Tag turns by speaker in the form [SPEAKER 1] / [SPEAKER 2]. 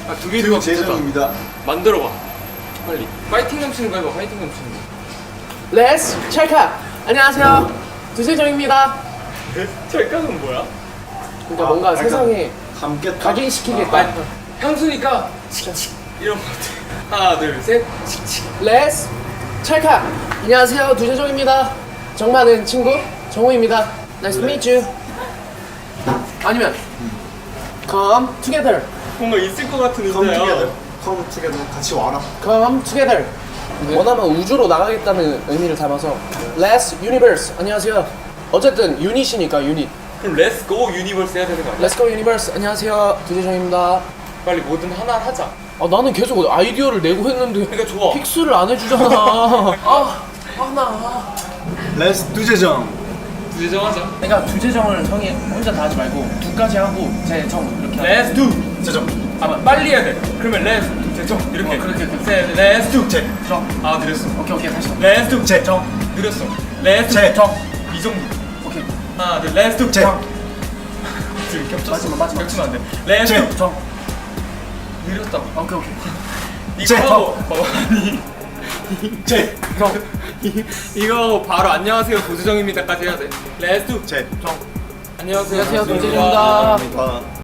[SPEAKER 1] 두 개 들어가
[SPEAKER 2] 재정입니다.
[SPEAKER 1] 만들어봐 빨리. 파이팅 넘치는 거 해봐. 파이팅 넘치는 거.
[SPEAKER 3] Let's check up. 안녕하세요. 두세정입니다.
[SPEAKER 1] 찰칵은 뭐야?
[SPEAKER 3] 그러니까 뭔가
[SPEAKER 2] 약간
[SPEAKER 3] 세상에
[SPEAKER 2] 함께
[SPEAKER 3] 각인시키겠다.
[SPEAKER 1] 향수니까 칙칙 이런 거 같아. 하나 둘셋 칙칙.
[SPEAKER 3] Let's check up. 안녕하세요. 두세정입니다. 정많은 친구 정우입니다. Nice to meet you. 아니면 Come together.
[SPEAKER 1] 뭔가 있을 것 같은
[SPEAKER 2] Come
[SPEAKER 1] 의자야.
[SPEAKER 2] together. Come together. 같이 와라.
[SPEAKER 3] Come together. 원하면 우주로 나가겠다는 의미를 담아서 Let's universe. 안녕하세요. 어쨌든 유닛이니까 유닛.
[SPEAKER 1] 그럼 렛츠 고 유니버스 해야 되는 거 아니야?
[SPEAKER 3] Let's go universe. 안녕하세요. 두세정입니다.
[SPEAKER 1] 빨리 뭐든 하나 하자.
[SPEAKER 3] 아 나는 계속 아이디어를 내고 했는데
[SPEAKER 1] 그러니까 좋아.
[SPEAKER 3] 픽스를 안 해주잖아. 나.
[SPEAKER 2] Let's do 재정.
[SPEAKER 1] 두제정하자.
[SPEAKER 3] 그러니까 두재정을 형이 혼자 다 하지 말고 두까지 하고 제정 이렇게.
[SPEAKER 1] 렛츠 두
[SPEAKER 2] 재정.
[SPEAKER 1] 아 빨리 해야 돼. 그러면 렛츠 두 제정 이렇게.
[SPEAKER 3] 그렇게.
[SPEAKER 1] 렛츠 두
[SPEAKER 2] 재.
[SPEAKER 3] 정.
[SPEAKER 1] 아 느렸어.
[SPEAKER 3] 오케이 다시.
[SPEAKER 1] 렛츠 두
[SPEAKER 2] 재정.
[SPEAKER 1] 느렸어. 렛츠
[SPEAKER 2] 재.
[SPEAKER 1] 정. 이 정도.
[SPEAKER 3] 오케이.
[SPEAKER 1] 하나 둘 렛츠 두
[SPEAKER 2] 재.
[SPEAKER 1] 둘 겹쳤어.
[SPEAKER 3] 마지막.
[SPEAKER 1] 겹치면 안 돼. 렛츠
[SPEAKER 2] 재.
[SPEAKER 1] 두
[SPEAKER 3] 정.
[SPEAKER 1] 느렸다고.
[SPEAKER 3] 오케이.
[SPEAKER 1] 이거
[SPEAKER 2] 재.
[SPEAKER 1] 하고 봐봐. 아니
[SPEAKER 2] 재.
[SPEAKER 3] 정.
[SPEAKER 1] 이거 바로 안녕하세요 도주정입니다까지 해야 돼. 렛츠 두
[SPEAKER 2] 재.
[SPEAKER 1] 안녕하세요.
[SPEAKER 3] 안녕하세요, 도주정입니다.
[SPEAKER 2] 아.